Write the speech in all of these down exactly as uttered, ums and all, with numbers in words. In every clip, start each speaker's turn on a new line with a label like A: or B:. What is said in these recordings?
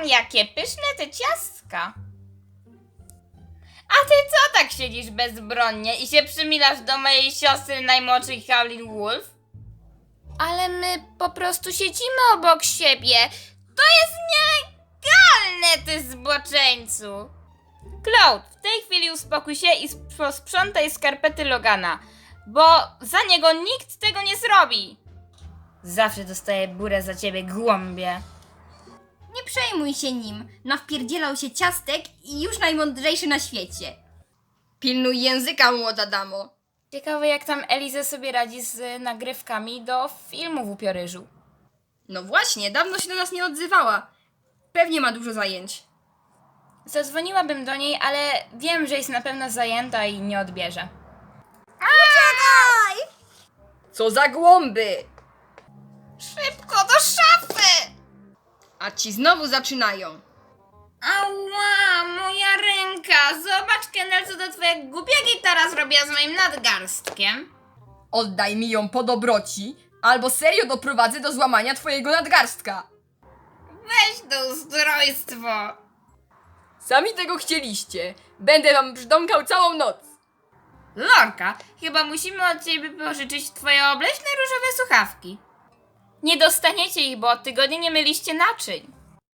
A: Mmm, jakie pyszne te ciastka. A ty co tak siedzisz bezbronnie i się przymilasz do mojej siostry najmłodszej Howlin Wolf? Ale my po prostu siedzimy obok siebie. To jest nielegalne, ty zboczeńcu. Cloud, w tej chwili uspokój się i posprzątaj skarpety Logana, bo za niego nikt tego nie zrobi. Zawsze dostaję burę za ciebie, głąbie.
B: Nie przejmuj się nim. Nawpierdzielał się ciastek i już najmądrzejszy na świecie. Pilnuj języka, młoda damo.
A: Ciekawe, jak tam Eliza sobie radzi z nagrywkami do filmu w Upioryżu.
B: No właśnie, dawno się do nas nie odzywała. Pewnie ma dużo zajęć.
A: Zadzwoniłabym do niej, ale wiem, że jest na pewno zajęta i nie odbierze.
B: Uciekaj! Co za głąby!
A: Szybko do szafy!
B: A ci znowu zaczynają.
A: Ała, moja ręka! Zobacz, Kendall, co ta twoja głupia gitara zrobiła z moim nadgarstkiem.
B: Oddaj mi ją po dobroci, albo serio doprowadzę do złamania twojego nadgarstka.
A: Weź to ustrojstwo!
B: Sami tego chcieliście. Będę wam brzdąkał całą noc.
A: Lorka, chyba musimy od ciebie pożyczyć twoje obleśne różowe słuchawki. Nie dostaniecie ich, bo od tygodnia nie myliście naczyń.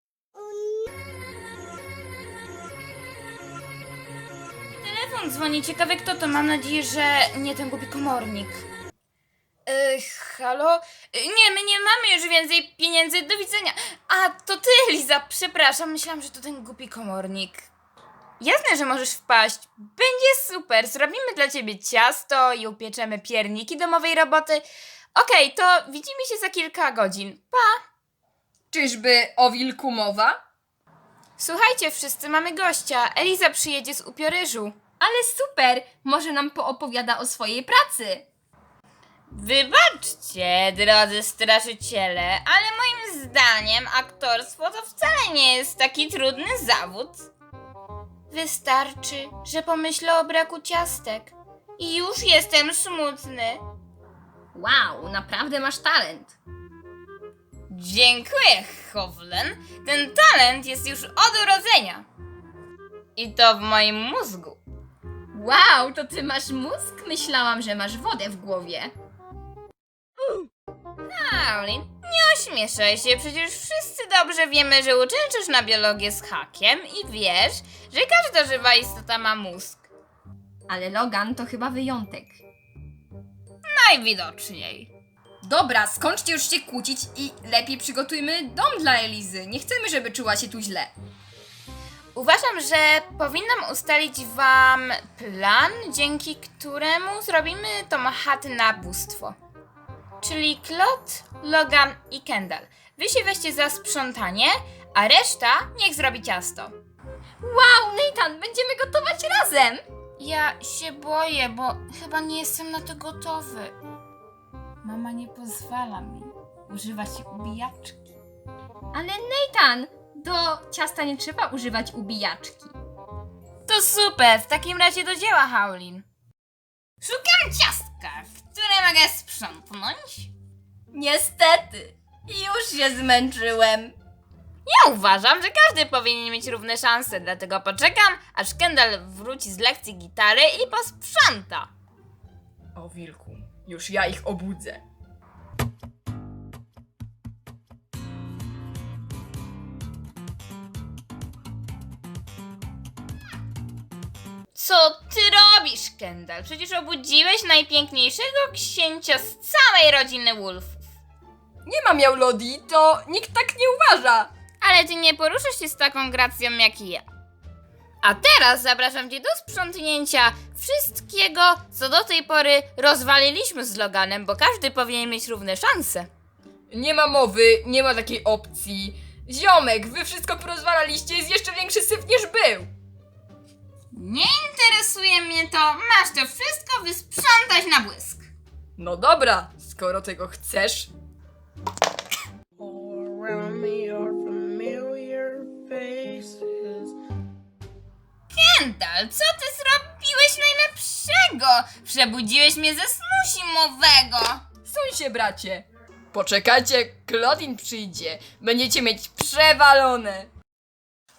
A: Telefon dzwoni, ciekawe kto to, mam nadzieję, że nie ten głupi komornik. Yy, halo? Yy, nie, my nie mamy już więcej pieniędzy, do widzenia. A, to ty, Eliza, przepraszam, myślałam, że to ten głupi komornik. Jasne, że możesz wpaść. Będzie super. Zrobimy dla ciebie ciasto i upieczemy pierniki domowej roboty. Okej, to widzimy się za kilka godzin. Pa!
B: Czyżby o wilku mowa?
A: Słuchajcie, wszyscy mamy gościa. Eliza przyjedzie z Upioryżu.
B: Ale super! Może nam poopowiada o swojej pracy.
A: Wybaczcie, drodzy straszyciele, ale moim zdaniem aktorstwo to wcale nie jest taki trudny zawód. Wystarczy, że pomyślę o braku ciastek i już jestem smutny.
B: Wow, naprawdę masz talent.
A: Dziękuję, Howlen. Ten talent jest już od urodzenia. I to w moim mózgu.
B: Wow, to ty masz mózg? Myślałam, że masz wodę w głowie.
A: Howlin, nie ośmieszaj się, przecież wszyscy dobrze wiemy, że uczęszczasz na biologię z hakiem i wiesz, że każda żywa istota ma mózg.
B: Ale Logan to chyba wyjątek.
A: Najwidoczniej.
B: Dobra, skończcie już się kłócić i lepiej przygotujmy dom dla Elizy. Nie chcemy, żeby czuła się tu źle.
A: Uważam, że powinnam ustalić wam plan, dzięki któremu zrobimy tą chatę na bóstwo. Czyli Claude, Logan i Kendall. Wy się weźcie za sprzątanie, a reszta niech zrobi ciasto.
B: Wow, Nathan, będziemy gotować razem!
A: Ja się boję, bo chyba nie jestem na to gotowy. Mama nie pozwala mi używać ubijaczki.
B: Ale Nathan, do ciasta nie trzeba używać ubijaczki.
A: To super, w takim razie do dzieła, Howlin. Szukam ciastka, które mogę sprzątnąć.
B: Niestety, już się zmęczyłem.
A: Ja uważam, że każdy powinien mieć równe szanse, dlatego poczekam, aż Kendall wróci z lekcji gitary i posprząta.
B: O wilku, już ja ich obudzę.
A: Co ty robisz, Kendall? Przecież obudziłeś najpiękniejszego księcia z całej rodziny Wolfów.
B: Nie ma miał Lodi, to nikt tak nie uważa.
A: Ale ty nie poruszasz się z taką gracją jak ja. A teraz zapraszam cię do sprzątnięcia wszystkiego, co do tej pory rozwaliliśmy z Loganem, bo każdy powinien mieć równe szanse.
B: Nie ma mowy, nie ma takiej opcji. Ziomek, wy wszystko porozwalaliście, jest jeszcze większy syf niż był.
A: Nie interesuje mnie to, masz to wszystko wysprzątać na błysk.
B: No dobra, skoro tego chcesz.
C: All around me are familiar faces.
A: Kendall, co ty zrobiłeś najlepszego? Przebudziłeś mnie ze snu zimowego.
B: Suń się, bracie. Poczekajcie, Claudine przyjdzie. Będziecie mieć przewalone.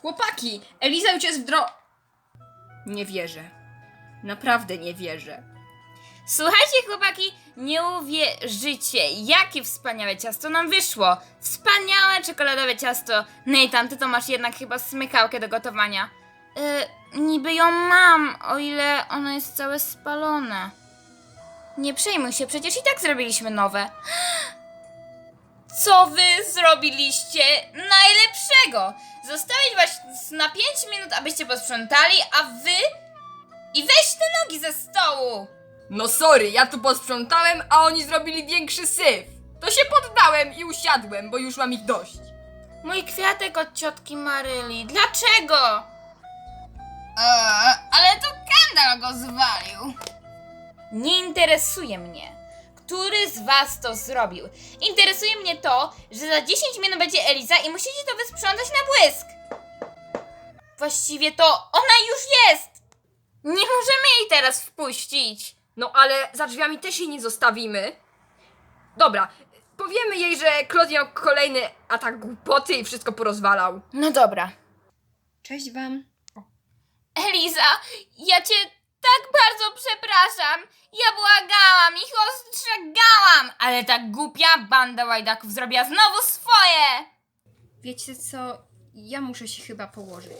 B: Chłopaki, Eliza już jest w dro... Nie wierzę. Naprawdę nie wierzę.
A: Słuchajcie, chłopaki, nie uwierzycie, jakie wspaniałe ciasto nam wyszło. Wspaniałe czekoladowe ciasto. Nathan, ty to masz jednak chyba smykałkę do gotowania. Yy, niby ją mam, o ile ono jest całe spalone. Nie przejmuj się, przecież i tak zrobiliśmy nowe. Co wy zrobiliście najlepszego? Zostawić was na pięć minut, abyście posprzątali, a wy... I weź te nogi ze stołu!
B: No sorry, ja tu posprzątałem, a oni zrobili większy syf. To się poddałem i usiadłem, bo już mam ich dość.
A: Mój kwiatek od ciotki Maryli. Dlaczego? Eee, ale to Kendall go zwalił. Nie interesuje mnie, który z was to zrobił. Interesuje mnie to, że za dziesięć minut będzie Eliza i musicie to wysprzątać na błysk. Właściwie to ona już jest. Nie możemy jej teraz wpuścić.
B: No ale za drzwiami też jej nie zostawimy. Dobra, powiemy jej, że Claude miał kolejny atak głupoty i wszystko porozwalał.
A: No dobra.
B: Cześć wam.
A: Eliza, ja cię tak bardzo przepraszam. Ja błagałam, ich ostrzegałam, ale ta głupia banda łajdaków zrobiła znowu swoje.
B: Wiecie co, ja muszę się chyba położyć.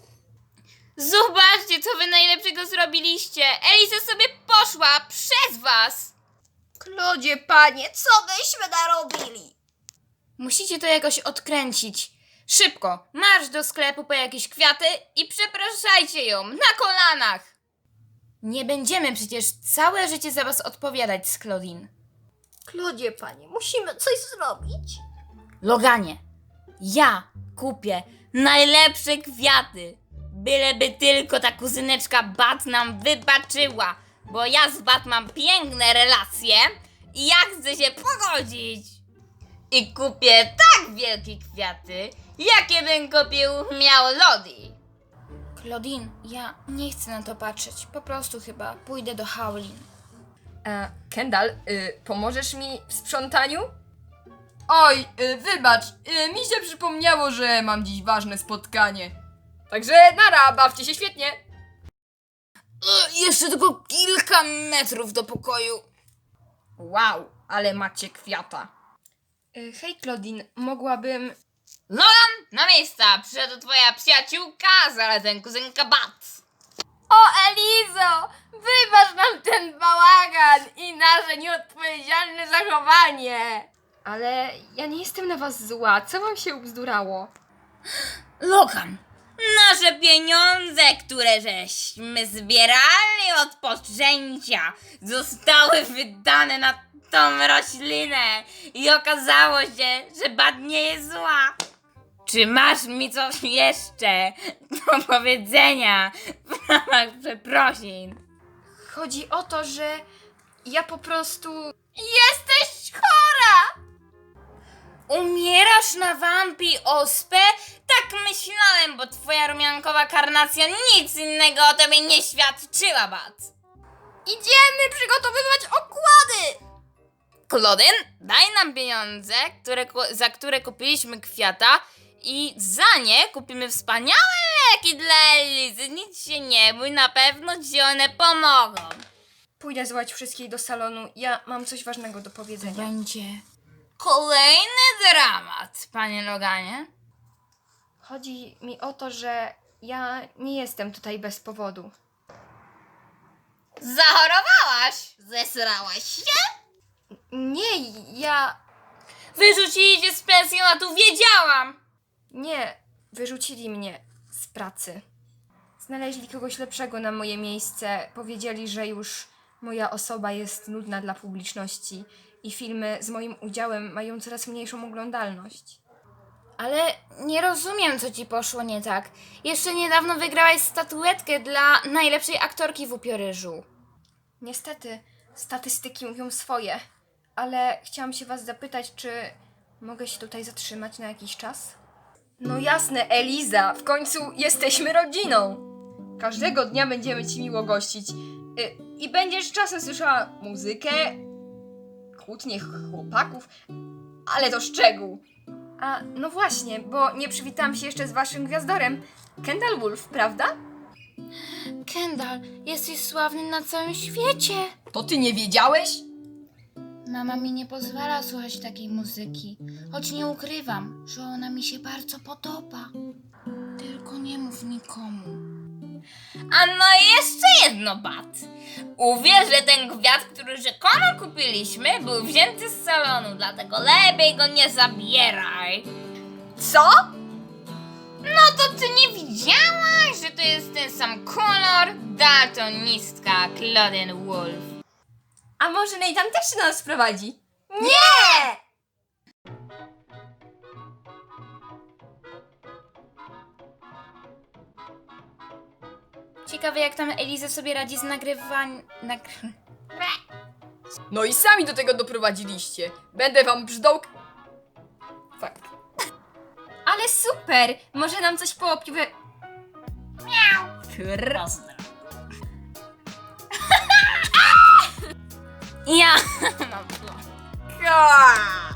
A: Zobaczcie, co wy najlepszego zrobiliście. Eliza sobie poszła przez was.
B: Klodzie, panie, co byśmy narobili?
A: Musicie to jakoś odkręcić. Szybko, marsz do sklepu po jakieś kwiaty i przepraszajcie ją na kolanach. Nie będziemy przecież całe życie za was odpowiadać z Claudine.
B: Klodzie, panie, musimy coś zrobić.
A: Loganie, ja kupię najlepsze kwiaty. Byleby tylko ta kuzyneczka Bat nam wybaczyła, bo ja z Bat mam piękne relacje i ja chcę się pogodzić. I kupię tak wielkie kwiaty, jakie bym kupił miał Lodi. Claudine, ja nie chcę na to patrzeć. Po prostu chyba pójdę do Howlin.
B: E, Kendall, y, pomożesz mi w sprzątaniu? Oj, y, wybacz, y, mi się przypomniało, że mam dziś ważne spotkanie. Także nara, bawcie się świetnie.
A: E, jeszcze tylko kilka metrów do pokoju.
B: Wow, ale macie kwiata. Y, hej Claudine, mogłabym...
A: Logan, na miejsca! Przyszedł twoja przyjaciółka, zarazem kuzynka Bat.
B: O Elizo, wybacz nam ten bałagan i nasze nieodpowiedzialne zachowanie. Ale ja nie jestem na was zła, co wam się ubzdurało?
A: Logan, nasze pieniądze, które żeśmy zbierali od poczęcia, zostały wydane na tą roślinę i okazało się, że Bat nie jest zła. Czy masz mi coś jeszcze do powiedzenia w ramach przeprosin?
B: Chodzi o to, że ja po prostu...
A: Jesteś chora! Umierasz na wampi ospę? Tak myślałem, bo twoja rumiankowa karnacja nic innego o tobie nie świadczyła, Bat.
B: Idziemy przygotowywać okłady!
A: Claudine, daj nam pieniądze, które, ku- za które kupiliśmy kwiata i za nie kupimy wspaniałe leki dla Elizy. Nic się nie bój, na pewno ci one pomogą.
B: Pójdę zwołać wszystkich do salonu, ja mam coś ważnego do powiedzenia.
A: Będzie kolejny dramat, panie Loganie.
B: Chodzi mi o to, że ja nie jestem tutaj bez powodu.
A: Zachorowałaś? Zesrałaś się?
B: Nie, ja...
A: Wyrzucili cię z pensjonatu, wiedziałam!
B: Nie, wyrzucili mnie z pracy. Znaleźli kogoś lepszego na moje miejsce. Powiedzieli, że już moja osoba jest nudna dla publiczności i filmy z moim udziałem mają coraz mniejszą oglądalność.
A: Ale nie rozumiem, co ci poszło nie tak. Jeszcze niedawno wygrałaś statuetkę dla najlepszej aktorki w Upioryżu.
B: Niestety, statystyki mówią swoje, ale chciałam się was zapytać, czy mogę się tutaj zatrzymać na jakiś czas? No jasne, Eliza, w końcu jesteśmy rodziną. Każdego dnia będziemy ci miło gościć. Y, I będziesz czasem słyszała muzykę, kłótnie chłopaków, ale to szczegół. A, no właśnie, bo nie przywitałam się jeszcze z waszym gwiazdorem. Kendall Wolf, prawda?
A: Kendall, jesteś sławny na całym świecie.
B: To ty nie wiedziałeś?
A: Mama mi nie pozwala słuchać takiej muzyki, choć nie ukrywam, że ona mi się bardzo podoba. Tylko nie mów nikomu. A no i jeszcze jedno, Bat. Uwierz, że ten gwiazd, który rzekomo kupiliśmy, był wzięty z salonu, dlatego lepiej go nie zabieraj.
B: Co?
A: No to ty nie widziałaś, że to jest ten sam kolor? Daltonistka Claudine Wolf.
B: A może Nathan też się do nas prowadzi? Nie!
A: Ciekawe, jak tam Eliza sobie radzi z nagrywaniem... Nagry...
B: No i sami do tego doprowadziliście. Będę wam brzdąk... Fakt. Ale super! Może nam coś poopiwe... Miau!
A: Ja mam plan.
B: Ka!